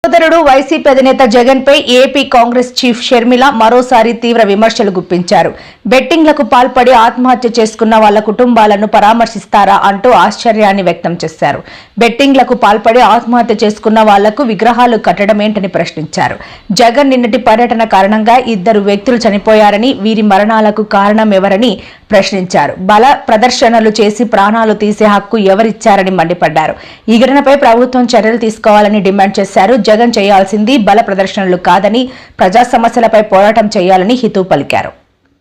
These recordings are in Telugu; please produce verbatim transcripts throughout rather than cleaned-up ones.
సోదరుడు వైసీపీ అధినేత జగన్ పై ఏపీ కాంగ్రెస్ చీఫ్ షర్మిల మరోసారి తీవ్ర విమర్శలు గుప్పించారు. బెట్టింగ్లకు పాల్పడి ఆత్మహత్య చేసుకున్న వాళ్ల కుటుంబాలను పరామర్శిస్తారా అంటూ ఆశ్చర్యాన్ని వ్యక్తం చేశారు. బెట్టింగ్లకు పాల్పడి ఆత్మహత్య చేసుకున్న వాళ్లకు విగ్రహాలు కట్టడమేంటని ప్రశ్నించారు. జగన్ నిన్నటి పర్యటన కారణంగా ఇద్దరు వ్యక్తులు చనిపోయారని, వీరి మరణాలకు కారణం ఎవరని ప్రశ్నించారు. బల ప్రదర్శనలు చేసి ప్రాణాలు తీసే హక్కు ఎవరిచ్చారని మండిపడ్డారు. ఈ ఘటనపై ప్రభుత్వం చర్యలు తీసుకోవాలని డిమాండ్ చేశారు. జగన్ చేయాల్సింది బల ప్రదర్శనలు కాదని, ప్రజా సమస్యలపై పోరాటం చేయాలని హితవు పలికారు.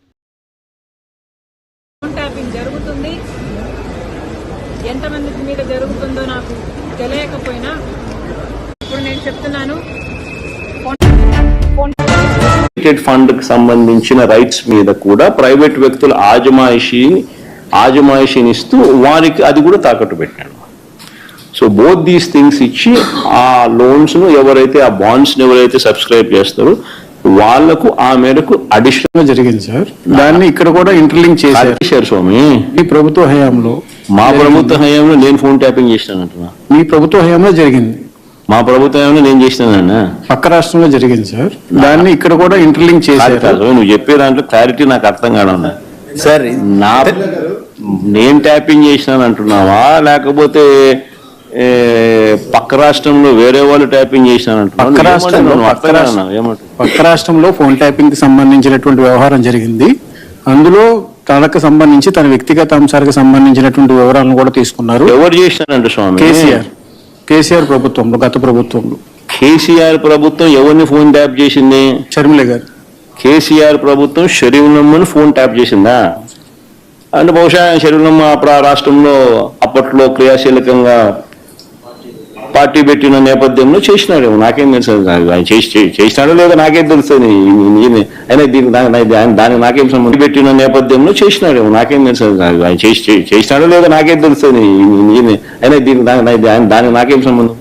జరుగుతుంది ఎంతమంది మీద జరుగుతుందో నాకు తెలియకపోయినా ఇప్పుడు నేను చెప్తున్నాను, ఫండ్ కి సంబంధించిన రైట్స్ మీద కూడా ప్రైవేట్ వ్యక్తుల ఆజమాయిషీ ఆజమాయిషీని ఇస్తూ వారికి అది కూడా తాకట్టు పెట్టాడు. సో బోత్ దీస్ థింగ్స్ ఇచ్చి ఆ లోన్స్ ను ఎవరైతే ఆ బాండ్స్ ను ఎవరైతే సబ్స్క్రైబ్ చేస్తారో వాళ్లకు ఆ మేరకు అడిషనల్ జరిగింది సార్. దాన్ని ఇక్కడ కూడా ఇంటర్లింక్ చేశారు స్వామి. మీ ప్రభుత్వ హయాంలో మా ప్రభుత్వ హయాంలో నేను ఫోన్ ట్యాపింగ్ చేసినానంటున్నా. మీ ప్రభుత్వ హయాంలో జరిగింది. మా ప్రభుత్వంలో నేను చేసినానన్నా. పక్క రాష్ట్రంలో జరిగింది సార్. దాన్ని ఇక్కడ కూడా ఇంటర్లింక్ చేశారు. నువ్వు చెప్పే దాంట్లో క్లారిటీ నాకు అర్థం కావడం సార్. నా నేను ట్యాపింగ్ చేసినాను అంటున్నావా, లేకపోతే పక్క రాష్ట్రంలో వేరే వాళ్ళు ట్యాపింగ్ చేసినాను? పక్క రాష్ట్రంలో పక్క రాష్ట్రంలో ఫోన్ ట్యాపింగ్ కి సంబంధించినటువంటి వ్యవహారం జరిగింది. అందులో తనకు సంబంధించి తన వ్యక్తిగత అంశాలకు సంబంధించినటువంటి వివరాలను కూడా తీసుకున్నారు. ఎవరు చేసినారంట స్వామి? కేసీఆర్ కేసీఆర్ ప్రభుత్వంలో, గత ప్రభుత్వంలో. కేసీఆర్ ప్రభుత్వం ఎవరిని ఫోన్ ట్యాప్ చేసింది? షర్మిల గారు. కేసీఆర్ ప్రభుత్వం షరీఫ్నమ్మని ఫోన్ ట్యాప్ చేసిందా? అంటే బహుశా షరీఫ్నమ్మ అప్పుడు ఆ రాష్ట్రంలో అప్పట్లో క్రియాశీలకంగా పార్టీ పెట్టిన నేపథ్యంలో చేసినాడేమో, నాకేం తెలుసు. ఆయన చేసినాడో లేదో నాకేం తెలుస్తుంది. అయినా దీనికి దానికి నాకేం సంబంధం. పెట్టిన నేపథ్యంలో చేసినాడేమో, నాకేం తెలుసు. ఆయన చేసినాడో లేదో నాకేం తెలుస్తుంది. అయినా దీనికి దానికి నాకేం సంబంధం.